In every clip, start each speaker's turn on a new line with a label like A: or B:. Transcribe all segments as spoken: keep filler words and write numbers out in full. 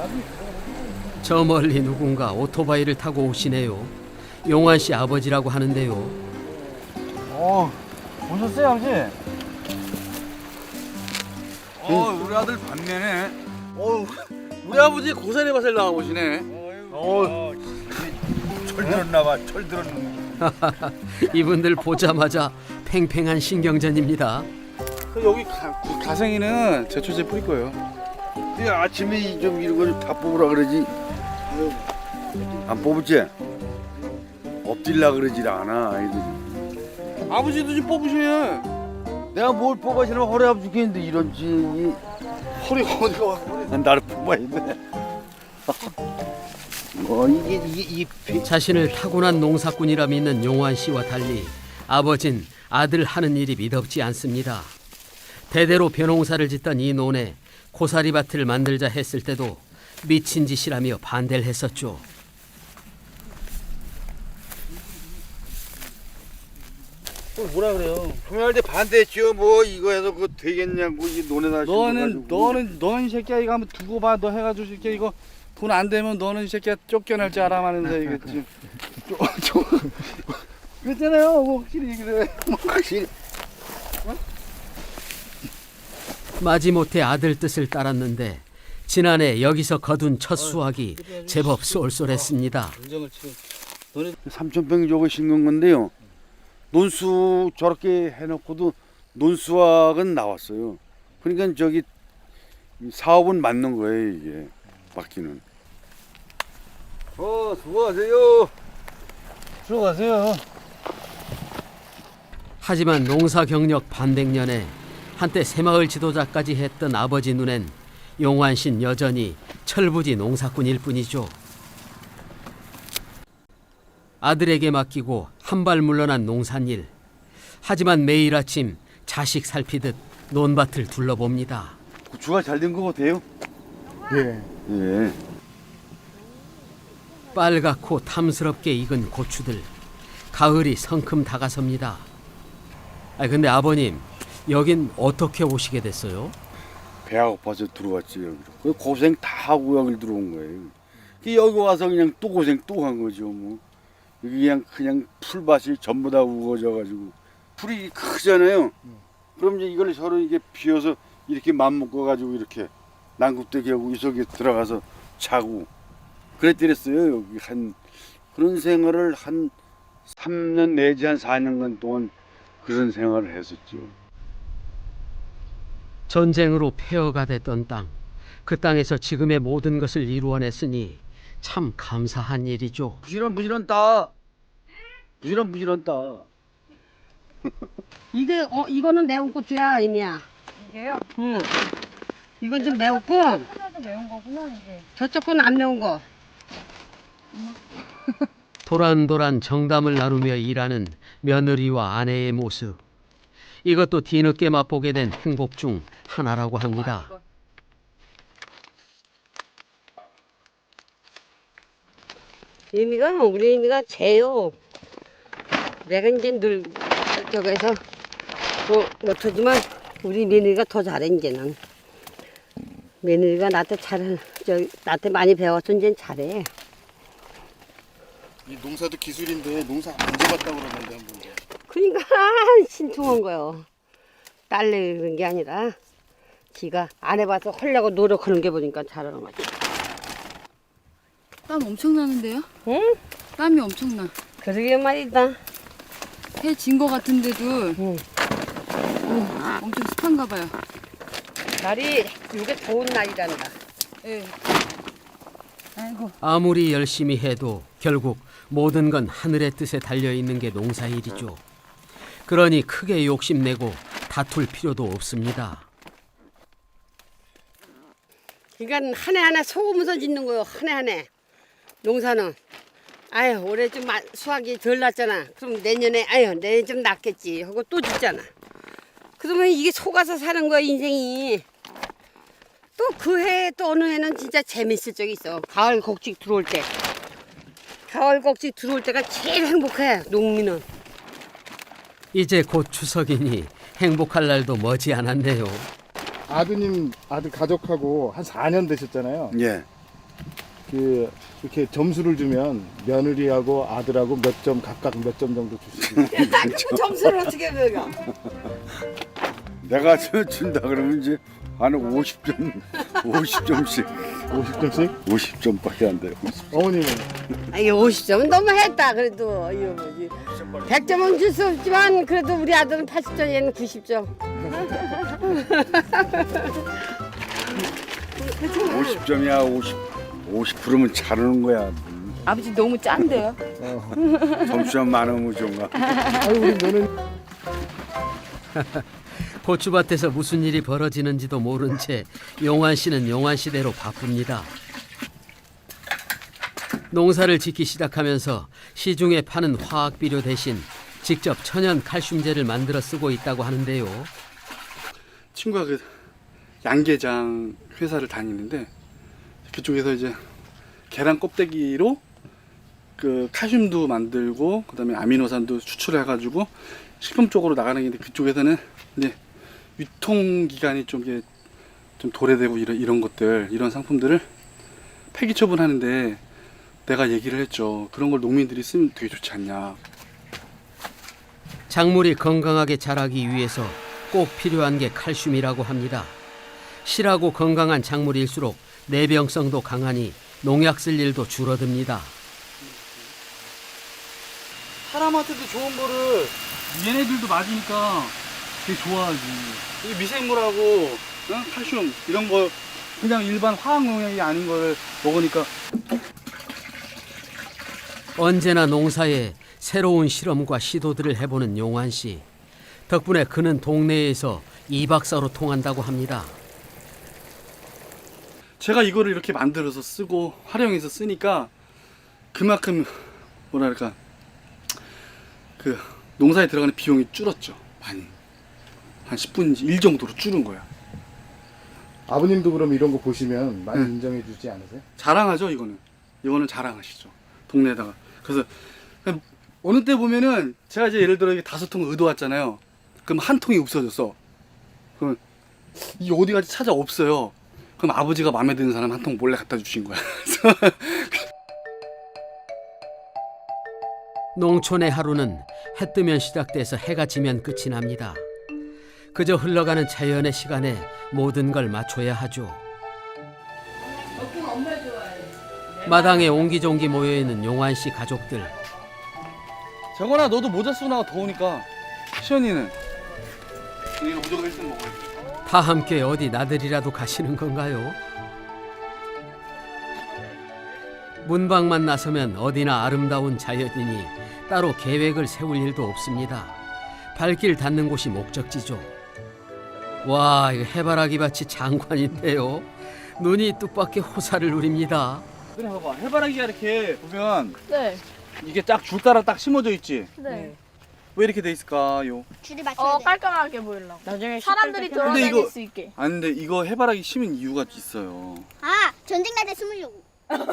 A: 저 멀리 누군가 오토바이를 타고 오시네요. 용환 씨 아버지라고 하는데요.
B: 어, 오셨어요, 아버지?
C: 어, 우리 아들 반면에. 어, 우리 아버지 고사리 밭을 나와보시네. 어, 철 들었나봐. 철 들었나.
A: 이분들 보자마자 팽팽한 신경전입니다.
C: 여기 가, 그 가생이는 제초제 뿌릴 거예요.
D: 네, 아침에 좀 이런 거 좀 다 뽑으라 그러지. 안 뽑을지? 엎질라 그러질 않아 아이들이.
C: 아버지도 좀 뽑으셔요.
D: 내가 뭘 뽑아시면 허리 아프 죽겠는데 이런지.
C: 허리가 어디가 와? 허리.
D: 나를 뽑아야 돼. 뭐 이게 이게 이
A: 자신을 타고난 농사꾼이라 믿는 용환 씨와 달리 아버진 아들 하는 일이 믿업지 않습니다. 대대로 벼농사를 짓던 이 논에 고사리밭을 만들자 했을 때도 미친 짓이라며 반대를 했었죠.
C: 또 뭐라 그래요?
D: 구매할 때 반대했죠. 뭐 이거 해서 그거 되겠냐고 이 논에다
C: 너는 너는 너는 이 새끼야 이거 한번 두고 봐. 너 해가지고 이 새끼야 이거 돈 안 되면 너는 이 새끼야 쫓겨날 줄 알아마는데 이게 지금 쫓 그랬잖아요. 뭐 확실히 그래.
D: 뭐 확실히.
A: 마지못해 아들 뜻을 따랐는데 지난해 여기서 거둔 첫 수확이 제법 쏠쏠했습니다.
C: 인정을 치고 너네
D: 삼천 평 저거 심은 건데요. 논수 저렇게 해놓고도 논수확은 나왔어요. 그러니까 저기 사업은 맞는 거예요 이게 맡기는. 어 수고하세요.
B: 수고하세요.
A: 하지만 농사 경력 반백년에 한때 새마을 지도자까지 했던 아버지 눈엔 용환 씨는 여전히 철부지 농사꾼일 뿐이죠. 아들에게 맡기고 한 발 물러난 농산일. 하지만 매일 아침 자식 살피듯 논밭을 둘러봅니다.
D: 고추가 잘 된 거 같아요.
B: 예.
D: 예.
A: 빨갛고 탐스럽게 익은 고추들. 가을이 성큼 다가섭니다. 아 근데 아버님 여긴 어떻게 오시게 됐어요?
D: 배가 고파서 들어왔지 여기로. 그 고생 다 하고 여기 들어온 거예요. 그 여기 와서 그냥 또 고생 또 한 거죠 뭐. 여기 그냥 그냥 풀밭이 전부 다 우거져가지고 풀이 크잖아요. 그럼 이제 이걸 서로 이게 비워서 이렇게 맘먹어 가지고 이렇게 난굽대기 하고 이 속에 들어가서 자고 그랬더랬어요. 여기 한 그런 생활을 한 삼 년 내지 한 사 년간 동안 그런 생활을 했었죠.
A: 전쟁으로 폐허가 됐던 땅. 그 땅에서 지금의 모든 것을 이루어냈으니 참 감사한 일이죠.
D: 부지런 부지런 따. 부지런 부지런 따.
E: 이게 어 이거는 매운 고추야 이미야.
F: 이게요?
E: 응. 이건 좀 매웠고
F: 하나도 매운 거구나 이게.
E: 저쪽 건 안 매운 거.
A: 도란도란 정담을 나누며 일하는 며느리와 아내의 모습. 이것도 뒤늦게 맛보게 된 행복 중 하나라고 합니다.
E: 이미가 우리 이미가 쟤요. 내가 이제 늘 저기서 뭐 못하지만 우리 며느리가 더 잘해 이제는. 며느리가 나한테 잘, 저 나한테 많이 배워서 이제 잘해.
C: 이 농사도 기술인데 농사 안 잡았다고 그러는데 한 번.
E: 그러니까 신통한 거요. 딸내 그런 게 아니라 지가 안 해봐서 하려고 노력하는 게 보니까 잘하는 거지.
F: 땀 엄청 나는데요?
E: 응?
F: 땀이 엄청나.
E: 그러게 말이다.
F: 해 진 거 같은데도
E: 응.
F: 어, 엄청 습한가 봐요.
E: 날이 이게 좋은 날이란다.
F: 예. 아이고.
A: 아무리 열심히 해도 결국 모든 건 하늘의 뜻에 달려있는 게 농사일이죠. 그러니 크게 욕심내고 다툴 필요도 없습니다.
E: 그러니까 한 해 한 해 소금서 짓는 거요. 한 해 한 해. 농사는. 아유 올해 좀 마- 수확이 덜 났잖아. 그럼 내년에 아유 내년 좀 낫겠지 하고 또 짓잖아. 그러면 이게 속아서 사는 거야 인생이. 또 그 해 또 어느 해는 진짜 재밌을 적이 있어. 가을 곡식 들어올 때. 가을 곡식 들어올 때가 제일 행복해 농민은.
A: 이제 곧 추석이니 행복할 날도 머지 않았네요.
B: 아드님 아들 가족하고 한 사 년 되셨잖아요.
D: 예.
G: 그 이렇게 점수를 주면 며느리하고 아들하고 몇 점 각각 몇 점 정도 주시고
E: 그 점수를 어떻게 매겨?
D: 내가 저 준다 그러면 이제 한 오십 점, 오십 점씩,
G: 오십 점씩?
D: 오십 점밖에 안 돼요.
G: 어머님은
E: 아, 이게 오십 점은 너무 했다. 그래도 이거 뭐지? 백 점은 줄 수 없지만 그래도 우리 아들은 팔십 점, 얘는 구십 점.
D: 오십 점이야, 오십, 오십 프로면 잘하는 거야.
F: 아버지 너무 짠데요?
D: 점수만 많으면 좋은가?
G: 아유 우리 며느리
A: 고추밭에서 무슨 일이 벌어지는지도 모른 채 용환 씨는 용환 씨대로 바쁩니다. 농사를 짓기 시작하면서 시중에 파는 화학 비료 대신 직접 천연 칼슘제를 만들어 쓰고 있다고 하는데요.
C: 친구가 그 양계장 회사를 다니는데 그쪽에서 이제 계란 껍데기로 그 칼슘도 만들고 그다음에 아미노산도 추출해가지고 식품 쪽으로 나가는 게 있는데 그쪽에서는 이제 유통 기간이 좀 이게 좀 도래되고 이런 이런 것들 이런 상품들을 폐기 처분하는데 내가 얘기를 했죠. 그런 걸 농민들이 쓰면 되게 좋지 않냐.
A: 작물이 건강하게 자라기 위해서 꼭 필요한 게 칼슘이라고 합니다. 실하고 건강한 작물일수록 내병성도 강하니 농약 쓸 일도 줄어듭니다.
C: 사람한테도 좋은 거를 얘네들도 맞으니까 되게 좋아하지. 이 미생물하고 어? 칼슘 이런 거 그냥 일반 화학 농약이 아닌 걸 먹으니까
A: 언제나 농사에 새로운 실험과 시도들을 해보는 용환 씨. 덕분에 그는 동네에서 이박사로 통한다고 합니다.
C: 제가 이거를 이렇게 만들어서 쓰고 활용해서 쓰니까 그만큼 뭐랄까 그 농사에 들어가는 비용이 줄었죠. 많이 한 십 분 일 정도로 줄은 거야.
G: 아버님도 그럼 이런 거 보시면 많이
C: 응.
G: 인정해 주지 않으세요?
C: 자랑하죠. 이거는 이거는 자랑하시죠. 동네에다가. 그래서 그냥 어느 때 보면은 제가 이제 예를 들어 이게 다섯 통 의도 왔잖아요. 그럼 한 통이 없어졌어. 그럼 이 어디 가지 찾아 없어요. 그럼 아버지가 마음에 드는 사람 한 통 몰래 갖다 주신 거야.
A: 농촌의 하루는 해 뜨면 시작돼서 해가 지면 끝이 납니다. 그저 흘러가는 자연의 시간에 모든 걸 맞춰야 하죠. 마당에 옹기종기 모여있는 용환 씨 가족들.
C: 정원아 너도 모자 쓰고 나가 더우니까. 시연이는 이거 무조건 일 등 먹어야 돼.
A: 다 함께 어디 나들이라도 가시는 건가요? 문방만 나서면 어디나 아름다운 자연이니 따로 계획을 세울 일도 없습니다. 발길 닿는 곳이 목적지죠. 와, 이거 해바라기 밭이 장관인데요. 눈이 뜻밖의 호사를 누립니다.
C: 그래 봐봐 해바라기가 이렇게 보면
H: 네.
C: 이게 딱 줄 따라 딱 심어져 있지.
H: 네.
C: 왜 이렇게 돼 있을까요?
I: 줄을 맞춰야
H: 어
I: 돼.
H: 깔끔하게 보이려고. 나중에 사람들이
C: 근데
H: 돌아다닐
C: 이거-
H: 수 있게.
C: 아 근데 이거 해바라기 심은 이유가 있어요.
I: 아, 전쟁 날 때 숨으려고.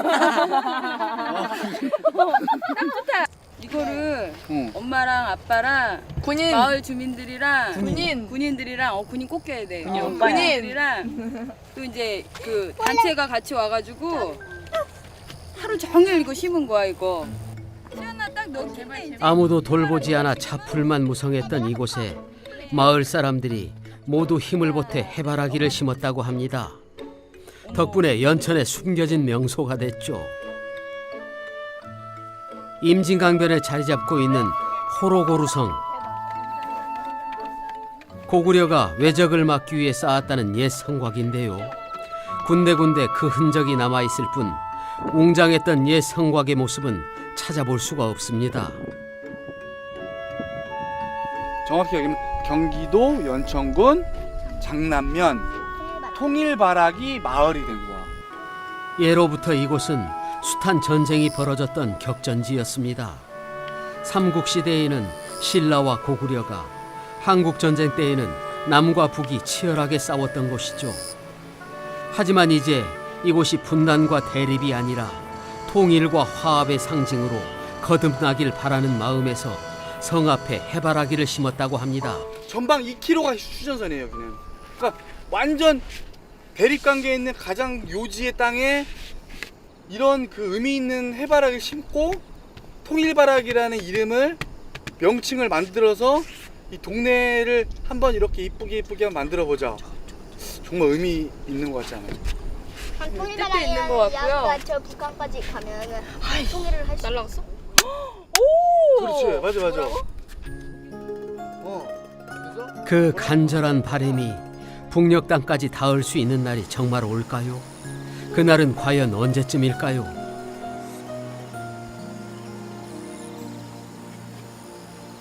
F: 이거를
C: 응.
F: 엄마랑 아빠랑
H: 군인.
F: 마을 주민들이랑
H: 군인.
F: 군인들이랑 어 군인 꼭 껴야 돼.
H: 군인
F: 어,
H: 오빠야.
F: 군인들이랑 또 이제 그 단체가 같이 와가지고 하루 종일 이거 심은 거야 이거. 시연아 딱너 개발
A: 아무도 돌보지 않아 차풀만 무성했던 이곳에 마을 사람들이 모두 힘을 보태 해바라기를 심었다고 합니다. 덕분에 연천에 숨겨진 명소가 됐죠. 임진강변에 자리 잡고 있는 호로고루성. 고구려가 외적을 막기 위해 쌓았다는 옛 성곽인데요. 군데군데 그 흔적이 남아있을 뿐 웅장했던 옛 성곽의 모습은 찾아볼 수가 없습니다.
C: 정확히 얘기하면 경기도 연천군 장남면 통일바라기 마을이 된 거야.
A: 예로부터 이곳은 숱한 전쟁이 벌어졌던 격전지였습니다. 삼국시대에는 신라와 고구려가, 한국전쟁 때에는 남과 북이 치열하게 싸웠던 곳이죠. 하지만 이제 이곳이 분단과 대립이 아니라 통일과 화합의 상징으로 거듭나길 바라는 마음에서 성 앞에 해바라기를 심었다고 합니다.
C: 전방 이 킬로미터가 휴전선이에요 여기는. 그러니까 완전 대립관계에 있는 가장 요지의 땅에 이런 그 의미 있는 해바라기를 심고 통일바라기라는 이름을 명칭을 만들어서 이 동네를 한번 이렇게 이쁘게 이쁘게 만들어 보자. 정말 의미 있는 것 같지 않아요?
I: 한
F: 뜻도 있는 것 같고요.
I: 통일바라기가 저 북한까지 가면은 통일을 할 수.
H: 날라갔어?
C: 그렇지, 맞아, 맞아. 어, 그래서
A: 그 간절한 바람이 북녘 땅까지 닿을 수 있는 날이 정말 올까요? 그날은 과연 언제쯤일까요?